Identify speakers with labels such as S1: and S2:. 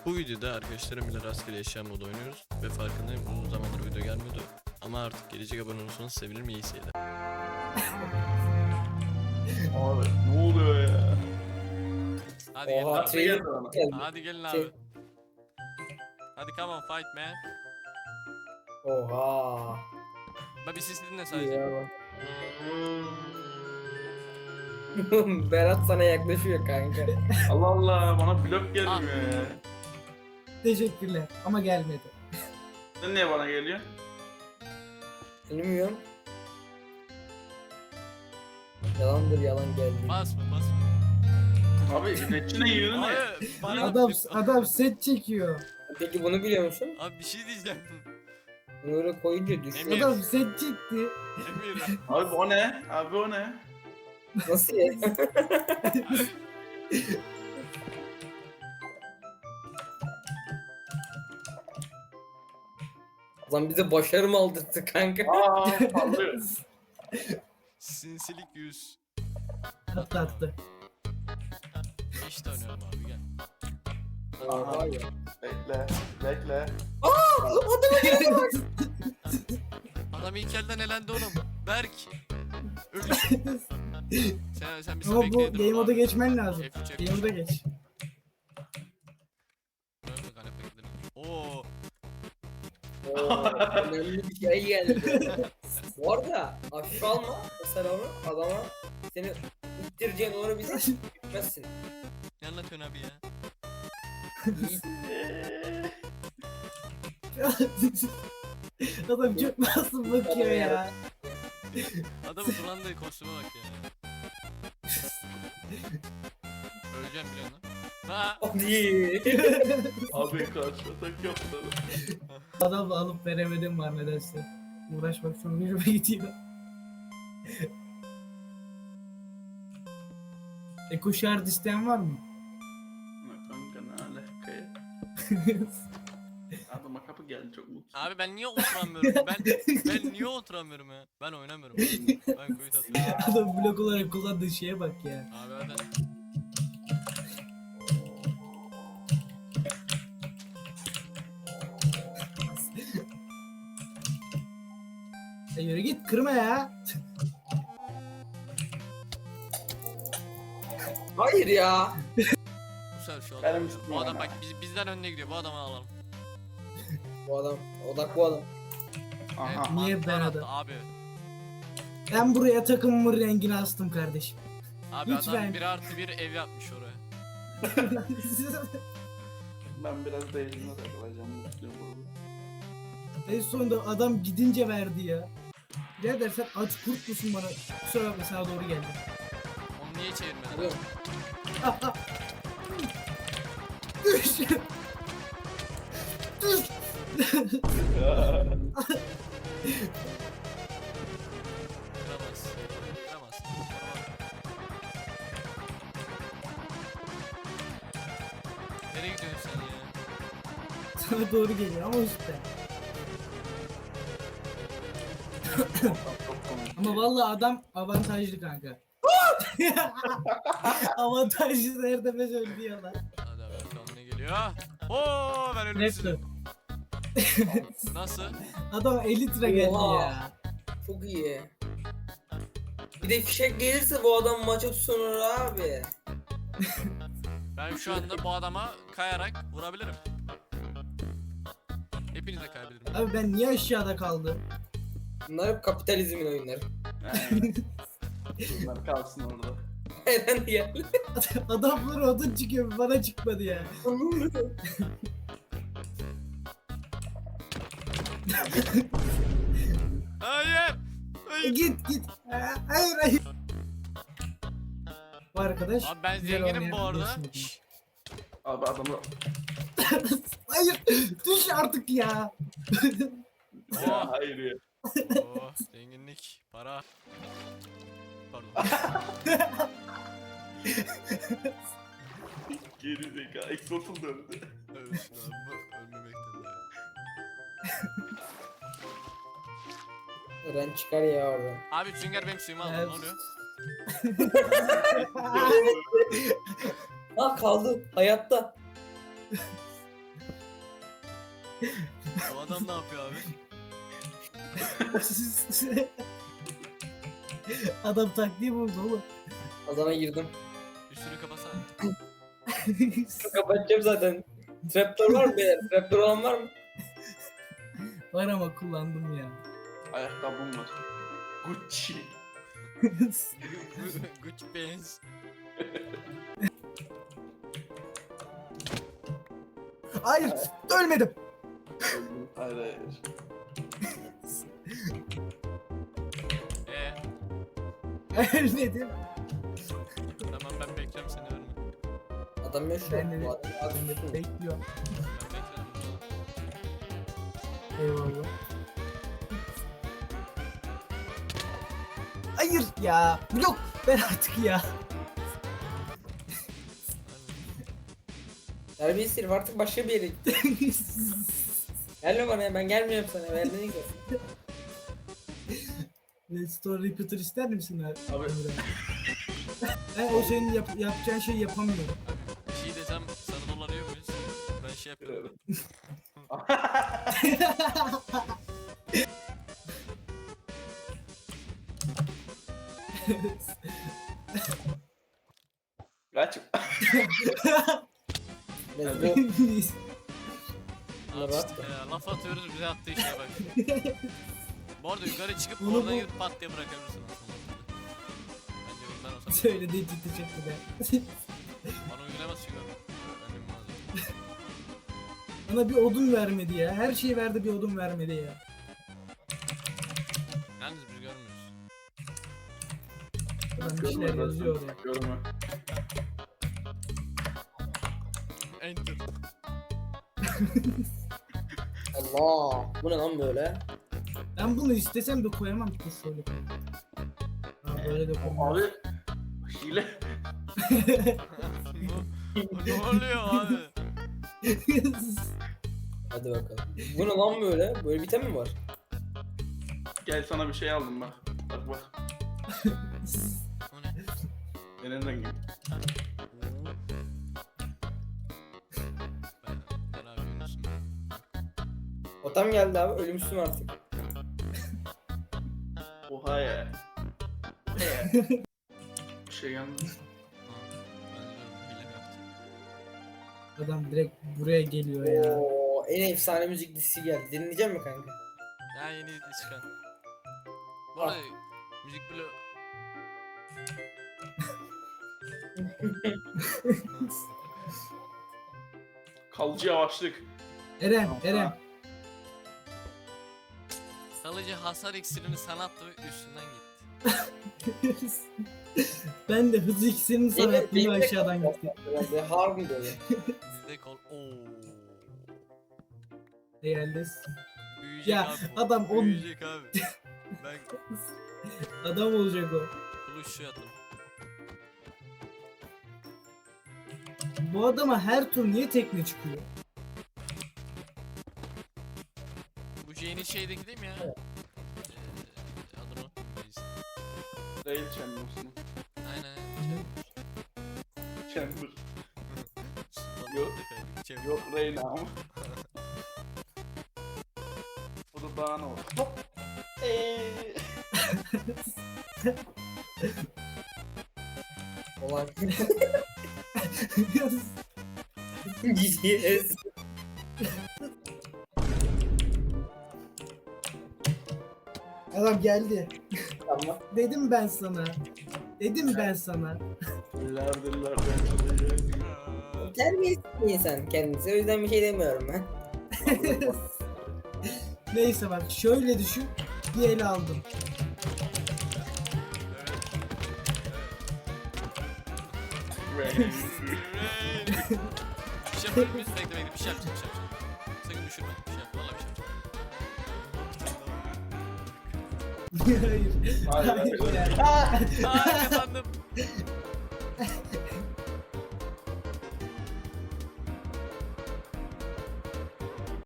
S1: Bu videoda arkadaşlarımla rastgele eşya modu oynuyoruz ve farkındayım uzun zamandır video gelmiyordu. Ama artık gelecek abone olursanız sevinirim, iyi seyirler.
S2: Abi ne oluyor ya?
S1: Hadi gelin
S3: Oha,
S1: abi.
S3: trailer geldi.
S1: Hadi gelin
S3: Şey-
S1: abi. Hadi come on fight man.
S3: Oha.
S1: Bak bir sesi dinle
S3: İyi
S1: sadece.
S3: ya bak. Berat sana yaklaşıyor kanka.
S2: Allah Allah bana blok gelmiyor ya.
S4: Teşekkürler ama gelmedi.
S2: Sen niye bana geliyor?
S3: Bilmiyorum. Yalandır, yalan geldi.
S1: Basma basma.
S2: Abi içine yiyorsun ya.
S1: Abi bana...
S4: Adam set çekiyor.
S3: Peki bunu biliyor musun?
S1: Abi bir şey diyeceğim.
S3: Bunu öyle koyunca düşüyor.
S1: Emir.
S4: Adam set çekti.
S1: Emir.
S2: Abi o ne? Abi o ne?
S3: Nasıl ya? Lan bize başarı mı aldırttı kanka?
S2: Aa sallıyor.
S1: Sinsilik 100.
S4: Attı attı.
S1: İşte oynuyorum abi gel.
S3: Oha ya.
S2: Bekle. Bekle.
S1: Adam ilk elden elendi oğlum. Berk. Ölü. sen bir
S4: Ama bu
S1: bekleyedir
S4: game
S1: onu
S4: moda
S1: abi.
S4: geçmen lazım.
S1: F3,
S4: Game moda geç.
S1: Oo.
S3: Oo, önemli bir şey geldi. Bu arada aşağı alma mesela onu adama seni ittireceğin onu bize gitmezsin.
S1: Ne anlatıyorsun abi ya?
S4: Adam çok masum bakıyor ya.
S1: Adamın durandığı kostüme bak ya. Öleceğim biliyorsun lan. Ha.
S3: Hadi.
S2: Abi karşılasak yaptı.
S4: Adamla alıp veremedim var nedense. Uğraşmak sonra yürüme gidiyor. Eko şard isteyen var mı?
S2: Kanka ne alaka ya? Adama kapı geldi çok mutlu.
S1: Abi ben niye oturamıyorum? Ben niye oturamıyorum ya? Ben oynamıyorum. Ben kuyut atıyorum.
S4: Adam blok olarak kullandığı şeye bak ya.
S1: Abi hadi.
S4: Yürü git kırma ya.
S3: Hayır ya.
S1: Bu sefer şu
S2: Benim
S1: adam.
S2: üstüme
S1: Bu adam
S2: ya.
S1: bak bizden önüne gidiyor. Bu adamı alalım.
S3: Bu adam odak bu adam.
S2: Aha.
S4: Niye
S1: mantar
S4: ben
S1: attı
S4: adam?
S1: Abi.
S4: Ben buraya takımımın rengini astım kardeşim.
S1: Abi
S4: Lütfen.
S1: adam 1+1 ev yapmış oraya.
S2: Ben biraz değişime takılacağım mutluyum burada.
S4: En sonunda adam gidince verdi ya. Birader sen aç kurt musun bana? Kusura bakma sana doğru geldim.
S1: Onu niye çevirmedin?
S3: Biliyor musun?
S4: Düş! Düş!
S1: Kıramaz. Kıramaz. Nereye gidiyorsun sen ya?
S4: Sana doğru geliyor ama işte. Ama vallahi adam avantajlı kanka. Avantajlı nerede be söylüyorlar.
S1: Hadi abi bakalım ne geliyor. Oo ben
S4: Raptor.
S1: ölümsüzüm. Nasıl?
S4: Adam 50 lira geldi
S3: Oha.
S4: ya.
S3: Çok iyi. Bir de fişek gelirse bu adam maça tutunur abi.
S1: Ben şu anda bu adama kayarak vurabilirim. Hepiniz de kayabilirim.
S4: Abi ben niye aşağıda kaldım?
S3: Bunlar hep kapitalizmin oyunları.
S2: Yani. Bunlar kalsın orada.
S3: Neden ya?
S4: Adamlar odun çıkıyor bana çıkmadı ya.
S1: Hayır! Hayır!
S4: Git. Hayır. Bu arkadaş.
S1: Abi ben
S4: güzel
S1: zenginim bu
S4: oynayan
S1: arada.
S4: biliyorsun.
S1: Şşş.
S2: Abi adamı...
S4: Hayır. Düş artık ya.
S2: Ya hayır ya.
S1: Oh, zenginlik, para. Pardon.
S2: Geri zeka. Exot'un döndü.
S1: Evet, abi ölmemekten daha.
S3: Ren çıkar ya oradan.
S1: Abi Sünger benim suyumu aldı. Ne
S4: Evet.
S1: oluyor?
S3: Ha kaldı hayatta.
S1: Bu adam ne yapıyor abi?
S4: Adam taktiği buldu oğlum.
S3: Adana girdim.
S1: Üstünü kapasana.
S3: Kapatacağım zaten. Trapdoor var mı beyler? Trapdoor olan var mı?
S4: Var ama kullandım ya.
S2: Ayakkabım var. Gucci.
S1: Gucci pants.
S4: Hayır, ölmedim.
S2: Hayır hayır.
S4: Ölmedim.
S1: Tamam ben bekliyorum seni ölme.
S3: Adam yaşıyor.
S4: Ben de-
S3: Bu adam
S4: Ben de
S3: yaşıyor.
S4: bekliyorum.
S1: Ben beklerim.
S4: Eyvallah. Hayır ya. Yok. Ben artık ya.
S3: Terbiyesiz herif artık başka bir yere gitti. Gelme bana ya ben gelmiyorum sana. Ben ne gidiyorum?
S4: Restore repeater ister misin abi?
S2: Abi.
S4: Ben o senin yapacağın şeyi yapamıyorum.
S1: Bir şey desem sana dolanıyor muyuz? Ben şey yapıyorum.
S2: Kaç.
S3: Let's go.
S1: Abi işte ya, laf atıyoruz bize attığı işe bak. Bu arada yukarı çıkıp
S4: Bunu
S1: oradan
S4: bu-
S1: gidip pat diye bırakabilirsin aslında. Bence ben olsam
S4: Söylediği ciddi çıktı be.
S1: bana uygulamaz çünkü. Ben bilmem.
S4: Bana bir odun vermedi ya. Her şeyi verdi bir odun vermedi ya.
S1: Yalnız biz görmüyoruz.
S4: Adam bir şeyler yazıyor oraya.
S2: Görme.
S1: Enter.
S3: Allah. Bu ne lan böyle?
S4: Ben bunu istesem de koyamam ki şöyle. Ha, böyle de koyamam.
S2: Abi. Hile.
S1: Bu ne oluyor abi?
S3: Hadi bakalım. Bu ne lan böyle? Böyle bir item mi var?
S2: Gel sana bir şey aldım bak. Bak bak.
S1: O ne?
S2: Benim rengim.
S1: Ben abi Yunus'um.
S3: Otam geldi abi. Ölümsüzüm artık.
S2: Oha ya. Oha ya. Bir şey geldi.
S1: Ha, ben de hile mi yaptım?
S4: Adam direkt buraya geliyor ya.
S3: Oo, en efsane müzik dizisi geldi. Dinleyecek mi kanka?
S1: Ya yeni çıkan. Bu arada müzik bile...
S2: Kalıcı yavaşlık.
S4: Eren.
S1: Kalıcı hasar iksirini sana attı ve üstünden gitti.
S4: Ben de hızlı iksirini sana
S3: Benim-
S4: attım
S3: benim de
S4: aşağıdan
S3: kaldı.
S4: gitti.
S3: Herhalde har mı böyle?
S1: Bizde kol... Ooo.
S4: Geldi.
S1: Büyüyecek
S4: Ya,
S1: abi bu.
S4: adam on-
S1: Büyüyecek abi. Ben
S4: Adam olacak o.
S1: kılıç şu yatım.
S4: Bu adama her tur niye tekne çıkıyor?
S1: Bu yeni şeydeki değil mi ya? Adını unuttum. Neyse.
S2: Rail Chambers'ın.
S1: Aynen.
S2: Chamber.
S1: Yok.
S2: Yok Rail ama. Bu da daha ne olur? Hop.
S3: Olan. GGS.
S4: Adam geldi.
S3: Tamam.
S4: Dedim ben sana. Dedim ben sana.
S2: Diller diller ben çalacağım.
S3: Terbiyesiz bir insan kendisi. O yüzden bir şey demiyorum ben.
S4: Neyse bak şöyle düşün. Bir ele aldım.
S2: Rail.
S1: Bir şey yapalım biz bekle bekle bir şey yapacağım bir şey yapacağım. Sakın düşürme bir şey yap valla bir şey yapacağım.
S4: Hayır.
S2: Hayır, hayır.
S4: ya.
S1: Aa kazandım.